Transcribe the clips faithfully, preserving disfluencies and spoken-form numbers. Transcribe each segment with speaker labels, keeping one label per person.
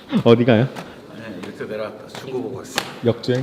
Speaker 1: 어디 가요?
Speaker 2: 네, 이렇게 내려왔다. 중고 보고 있어.
Speaker 1: 역주행?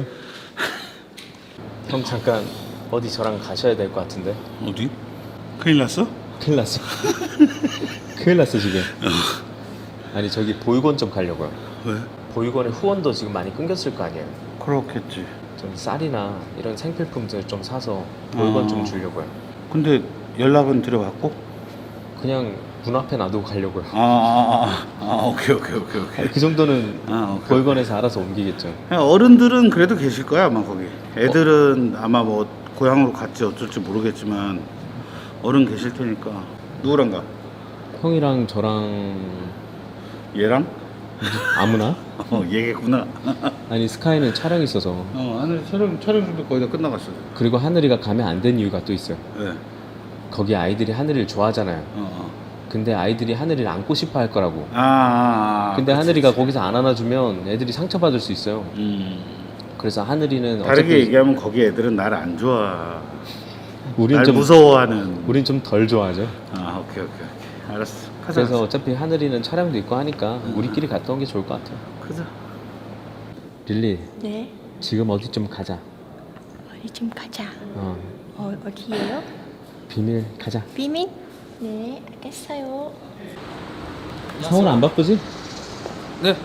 Speaker 1: 형 잠깐 어디 저랑 가셔야 될 것 같은데.
Speaker 2: 어디? 큰일 났어?
Speaker 1: 큰일 났어. 큰일 났어 지금. 아니 저기 보육원 좀 가려고요.
Speaker 2: 왜?
Speaker 1: 보육원의 후원도 지금 많이 끊겼을 거 아니에요.
Speaker 2: 그렇겠지.
Speaker 1: 좀 쌀이나 이런 생필품들 좀 사서 보육원
Speaker 2: 어.
Speaker 1: 좀 주려고요.
Speaker 2: 근데 연락은 드려봤고?
Speaker 1: 그냥 문 앞에 놔두고 가려고요.
Speaker 2: 아, 아, 아, 아 오케이, 오케이, 오케이, 오케이.
Speaker 1: 그 정도는
Speaker 2: 아, 오케이.
Speaker 1: 보육원에서 알아서 옮기겠죠.
Speaker 2: 어른들은 그래도 계실 거야 아마 거기. 애들은 어? 아마 뭐 고향으로 갔지 어쩔지 모르겠지만 어른 계실 테니까. 누구랑 가?
Speaker 1: 형이랑 저랑
Speaker 2: 얘랑?
Speaker 1: 아무나?
Speaker 2: 어 얘겠구나.
Speaker 1: 아니 스카이는 촬영이 있어서.
Speaker 2: 어 하늘 촬영 촬영 준비 거의 다 끝나갔어.
Speaker 1: 그리고 하늘이가 가면 안 된 이유가 또 있어요.
Speaker 2: 네.
Speaker 1: 거기 아이들이 하늘이를 좋아하잖아요.
Speaker 2: 어, 어.
Speaker 1: 근데 아이들이 하늘이를 안고 싶어 할 거라고.
Speaker 2: 아, 아, 아
Speaker 1: 근데
Speaker 2: 그치,
Speaker 1: 하늘이가
Speaker 2: 그치.
Speaker 1: 거기서 안 안아주면 애들이 상처받을 수 있어요.
Speaker 2: 음.
Speaker 1: 그래서 하늘이는
Speaker 2: 다르게
Speaker 1: 어차피
Speaker 2: 얘기하면 거기 애들은 나를 안 좋아.
Speaker 1: 우린
Speaker 2: 날
Speaker 1: 좀
Speaker 2: 무서워하는.
Speaker 1: 우린 좀 덜 좋아하죠.
Speaker 2: 아 오케이 오케이 오케이. 알았어. 가자.
Speaker 1: 그래서
Speaker 2: 가자.
Speaker 1: 어차피 하늘이는 촬영도 있고 하니까 우리끼리 갔다 온 게 좋을 것 같아요.
Speaker 2: 가자.
Speaker 1: 릴리
Speaker 3: 네.
Speaker 1: 지금 어디 좀 가자.
Speaker 3: 어디 좀 가자.
Speaker 1: 어
Speaker 3: 어, 어디예요?
Speaker 1: 비밀 가자.
Speaker 3: 비밀? 네, 알겠어요.
Speaker 1: 상훈 안 바쁘지?
Speaker 4: 네.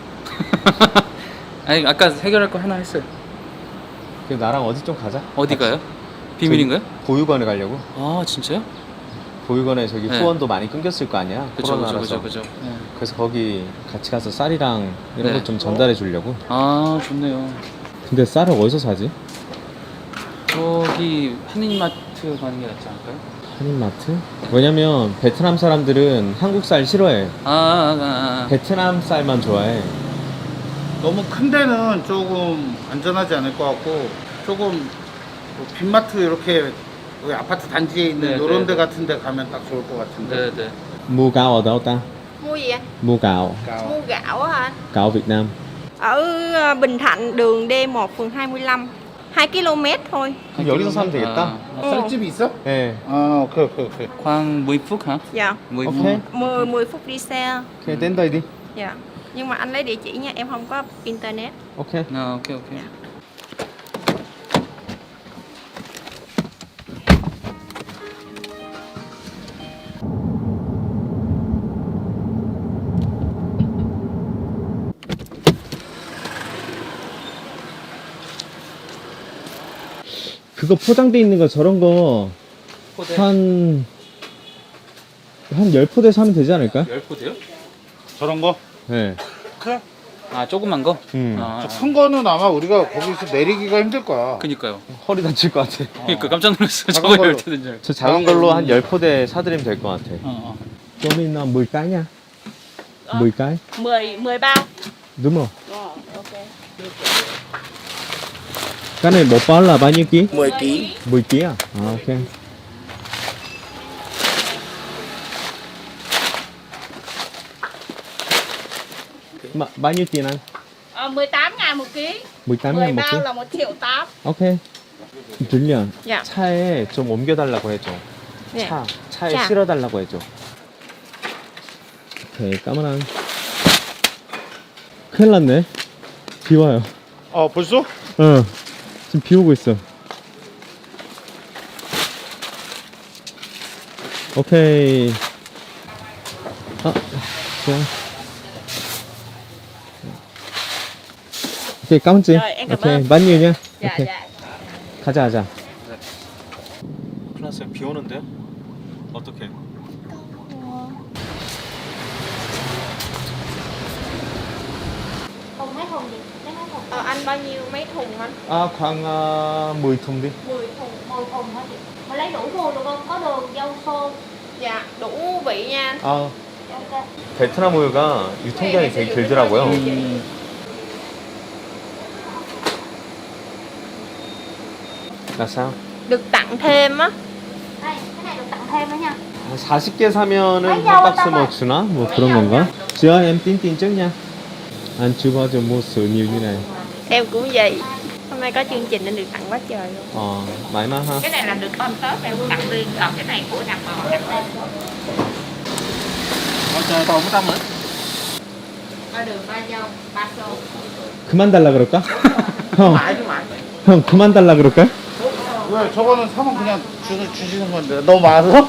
Speaker 4: 아니 아까 해결할 거 하나 했어요.
Speaker 1: 그럼 나랑 어디 좀 가자.
Speaker 4: 어디 가요? 비밀인가요?
Speaker 1: 저기 보육원에 가려고.
Speaker 4: 아 진짜요?
Speaker 1: 보육원에 저기
Speaker 4: 네.
Speaker 1: 후원도 많이 끊겼을 거 아니야.
Speaker 4: 그쵸 그쵸
Speaker 1: 코로나라서.
Speaker 4: 그쵸 그쵸. 네.
Speaker 1: 그래서 거기 같이 가서 쌀이랑 이런
Speaker 4: 네.
Speaker 1: 것 좀 전달해 주려고.
Speaker 4: 아 좋네요.
Speaker 1: 근데 쌀을 어디서 사지?
Speaker 4: 저기 한인마트 가는 게 낫지 않을까요?
Speaker 1: 한인마트? 왜냐면 베트남 사람들은 한국 쌀 싫어해.
Speaker 4: 아, 아, 아, 아.
Speaker 1: 베트남 쌀만 좋아해.
Speaker 2: 너무 큰 데는 조금 안전하지 않을 것 같고 조금 뭐 빈마트 이렇게 여기 아파트 단지에 있는
Speaker 4: 네,
Speaker 2: 이런
Speaker 4: 네,
Speaker 2: 데
Speaker 4: 네.
Speaker 2: 같은 데 가면 딱 좋을 것 같은데.
Speaker 4: 네네.
Speaker 1: Mua gạo ở đâu ta?
Speaker 3: Mua gì anh?
Speaker 1: Mua gạo.
Speaker 2: Cao.
Speaker 3: Mua gạo á anh?
Speaker 1: Gạo Việt Nam.
Speaker 3: Ở ờ, Bình Thạnh, đường D một, phường hai mươi lăm. hai ki lô mét thôi.
Speaker 1: 그럼 여기서 사면 되겠다.
Speaker 2: 아, 쌀집이 있어?
Speaker 1: 네.
Speaker 2: 아 오케이 오케이 오케이.
Speaker 4: khoảng mười phút hả?
Speaker 3: Dạ.
Speaker 4: mười
Speaker 1: Ok.
Speaker 4: phút.
Speaker 3: mười mười phút đi xe.
Speaker 1: 오케이, đến đây đi.
Speaker 3: Dạ. Nhưng mà anh lấy địa chỉ nha, em không có internet.
Speaker 1: 오케이.
Speaker 4: 아 오케이 오케이.
Speaker 1: 그거 포장돼 있는 거 저런 거
Speaker 4: 포대.
Speaker 1: 한, 한 열 포대 사면 되지 않을까?
Speaker 4: 열 포대요?
Speaker 2: 저런 거?
Speaker 1: 네.
Speaker 2: 그래.
Speaker 4: 아 조그만 거?
Speaker 1: 음.
Speaker 4: 아,
Speaker 2: 저 큰 거는 아마 우리가 거기서 내리기가 힘들 거야.
Speaker 4: 그니까요.
Speaker 1: 허리 다칠 것 같아.
Speaker 4: 그니까 깜짝 놀랐어.
Speaker 2: 작은
Speaker 4: 저거
Speaker 2: 걸로.
Speaker 4: 열 테든 줄.
Speaker 1: 저 작은 걸로 한 열 포대 사드리면 될 것 같아.
Speaker 4: 어, 어.
Speaker 1: Cho mình uh, mười cái nha. mười cái.
Speaker 3: mười mười bao.
Speaker 1: Đúng rồi.
Speaker 3: Ờ, ok.
Speaker 1: Cái này một bao là bao nhiêu ký?
Speaker 2: mười ký.
Speaker 1: mười ký à? À ok. Mà, bao nhiêu tiền anh?
Speaker 3: Ờ, mười tám ngàn một ký.
Speaker 1: mười tám
Speaker 3: mười
Speaker 1: ngàn một ký.
Speaker 3: bao là một triệu tám.
Speaker 1: Ok. 들려.
Speaker 3: 야.
Speaker 1: 차에 좀 옮겨달라고 해줘.
Speaker 3: 네.
Speaker 1: 차, 차에
Speaker 3: 자.
Speaker 1: 실어달라고 해줘. 오케이, 까만한. 큰일 났네. 비 와요.
Speaker 2: 어 벌써?
Speaker 1: 어. 지금 비 오고 있어. 오케이. 아, 좋아. 오케이, 까만지.
Speaker 3: Rồi, em cảm
Speaker 1: 오케이,
Speaker 3: ơn.
Speaker 1: 많이 오냐?
Speaker 3: Dạ
Speaker 1: 오케이.
Speaker 3: dạ.
Speaker 1: 가자, 가자. 큰일 났어요. 비 오는데요? 어떡해.
Speaker 3: Thùng mấy thùng gì? Mấy thùng? Ờ, anh bao nhiêu mấy thùng anh?
Speaker 1: 아, khoảng uh, mười thùng đi.
Speaker 3: mười thùng, mười thùng hả chị? Mà lấy đủ mua được không? Có đường dâu xô. Dạ, đủ vị nha anh.
Speaker 1: 아,
Speaker 3: Ok.
Speaker 1: 베트남 우유가 유통기한이 되게 길더라고요.
Speaker 2: 음.
Speaker 1: Là sao?
Speaker 3: Được tặng thêm á.
Speaker 5: Đây, cái này được tặng thêm nữa nha.
Speaker 1: 한 사십 개 사면은
Speaker 5: 아니,
Speaker 1: 한 박스
Speaker 5: 잠깐만.
Speaker 1: 뭐 주나? 뭐 그런 건가? Chưa em tin tin trước nha. Anh chưa bao giờ mua sữa nhiều như này.
Speaker 3: Em cũng vậy. Hôm nay có chương trình nên được tặng quá trời luôn.
Speaker 1: Ờ, mãi mà ha.
Speaker 6: Cái này là được ôm tớp em tặng riêng, còn cái này của đàn bò đặt lên.
Speaker 4: 어, 저, 더 못하면?
Speaker 3: Ba đường ba dâu, ba xô.
Speaker 1: 그만 달라 그럴까? 형,
Speaker 2: 많이 많이.
Speaker 1: 형 그만 달라 그럴까?
Speaker 2: 왜 저거는 사면 그냥 주, 주시는 건데 너무 많아서?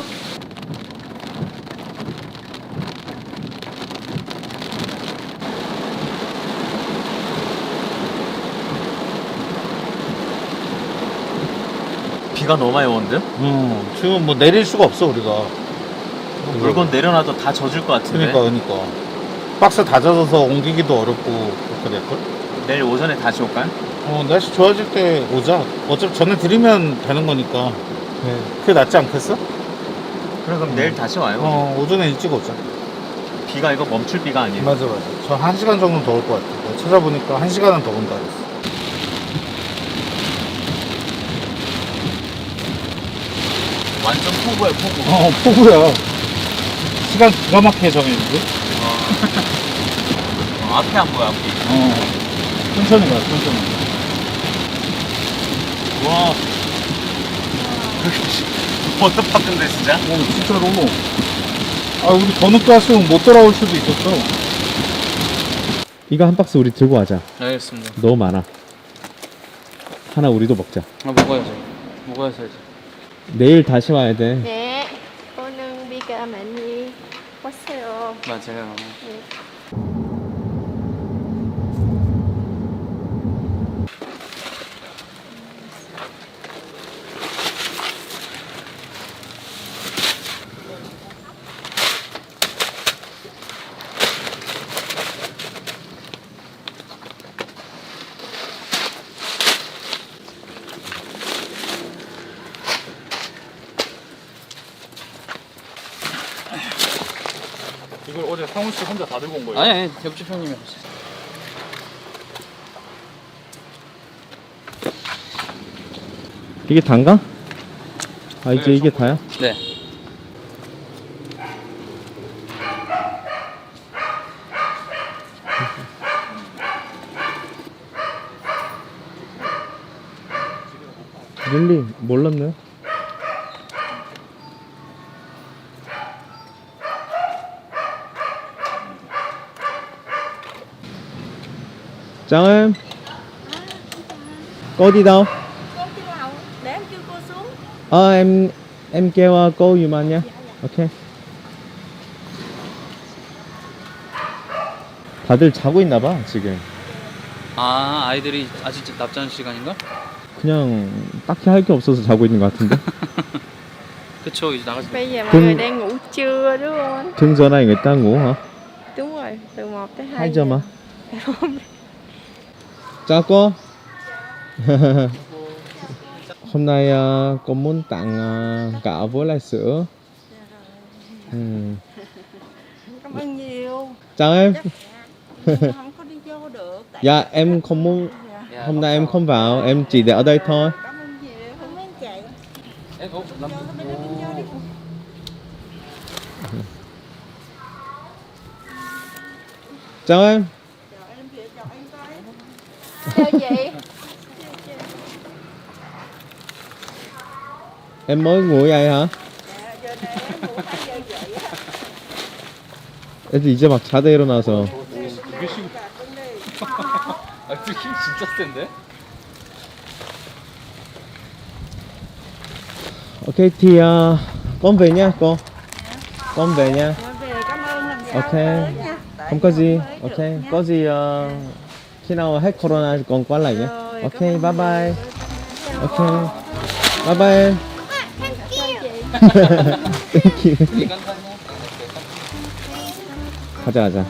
Speaker 1: 비가 너무 많이 오는데?
Speaker 2: 응. 지금 뭐 내릴 수가 없어 우리가.
Speaker 1: 물건 내려놔도 다 젖을 것 같은데.
Speaker 2: 그러니까 그러니까 박스 다 젖어서 옮기기도 어렵고 그렇게 될걸?
Speaker 1: 내일 오전에 다시 올까요?
Speaker 2: 어 날씨 좋아질 때 오자. 어차피 전에 드리면 되는 거니까.
Speaker 1: 네.
Speaker 2: 그게 낫지 않겠어?
Speaker 1: 그래 그럼 내일 다시 와요.
Speaker 2: 어 오전에 일찍 오자.
Speaker 1: 비가 이거 멈출 비가 아니에요.
Speaker 2: 맞아 맞아. 저 한 시간 정도 더 올 것 같아. 내가 찾아보니까 한 시간은 더 온다 그랬어.
Speaker 1: 완전 폭우야 폭우.
Speaker 2: 어 폭우야. 시간 기가 막히게 정했는데?
Speaker 1: 어, 앞에 안 보여 앞이.
Speaker 2: 어 천천히 가 천천히.
Speaker 1: 와. 워터파크인데 진짜?
Speaker 2: 어 진짜로. 아 우리 더 늦게 왔으면 못 돌아올 수도 있었어.
Speaker 1: 이거 한 박스 우리 들고 가자.
Speaker 4: 알겠습니다.
Speaker 1: 너무 많아. 하나 우리도 먹자.
Speaker 4: 아, 먹어야죠. 먹어야지.
Speaker 1: 내일 다시 와야 돼.
Speaker 3: Nè, cô nương 비가 많이 왔어요.
Speaker 4: 맞아요.
Speaker 7: 이걸 어제 상훈 씨 혼자 다 들고 온 거예요?
Speaker 4: 아니, 아니, 옆집 형님이 하셨어요.
Speaker 1: 이게 단가? 아 이제
Speaker 7: 네,
Speaker 1: 이게
Speaker 7: 전부.
Speaker 1: 다야?
Speaker 4: 네.
Speaker 1: 릴리 몰랐네. Chào em. Cô đi đâu?
Speaker 6: Cô đi đâu? Để em kêu cô xuống.
Speaker 1: Ờ em em kêu uh, cô giùm anh nha. Ok. 다들 자고 있나 봐 지금.
Speaker 4: 아, 아이들이 아직 납자는 시간인가?
Speaker 1: 그냥 딱히 할 게 없어서 자고 있는 것 같은데.
Speaker 4: 그쵸, 이제 나가지.
Speaker 3: Bây giờ mọi
Speaker 1: Cưng-
Speaker 3: người đang ngủ trưa đúng không anh?
Speaker 1: Thường giờ này người ta ngủ hả?
Speaker 3: Đúng rồi, từ một tới hai
Speaker 1: hai giờ mà.
Speaker 3: giờ.
Speaker 1: Chào cô. Hôm nay uh, cô muốn tặng uh, gạo với lại sữa. Ừ.
Speaker 6: Cảm ơn nhiều.
Speaker 1: Chào em.
Speaker 6: Không có đi vô được. Tại
Speaker 1: Dạ em không muốn.
Speaker 4: 야,
Speaker 1: Hôm nay em không vào, em chỉ để ở đây thôi.
Speaker 6: cảm ơn nhiều. Không mấy chị.
Speaker 4: 에, 어, 남...
Speaker 1: Chào em.
Speaker 3: Chào chị.
Speaker 1: Em mới ngủ vậy hả? 애들 이제 막 자다 일어나서.
Speaker 4: 아, 그 힘 진짜 센데?
Speaker 1: Ok thì uh, con về nha cô. Con về nha.
Speaker 6: Nói về cảm ơn lần sau
Speaker 1: Ok.
Speaker 6: tới nha. Tại
Speaker 1: Không có gì.
Speaker 6: mới
Speaker 1: Ok.
Speaker 6: được nha.
Speaker 1: Có gì uh, khi nào hết corona thì con qua lại nhé.
Speaker 6: Rồi,
Speaker 1: Ok
Speaker 6: cảm ơn
Speaker 1: bye bye.
Speaker 6: nhiều.
Speaker 1: Ok. Bye bye em. Thank you.
Speaker 4: 이건 사냐?
Speaker 1: 가자 가자.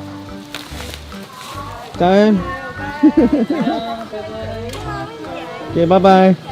Speaker 1: Chào em. Ok bye bye.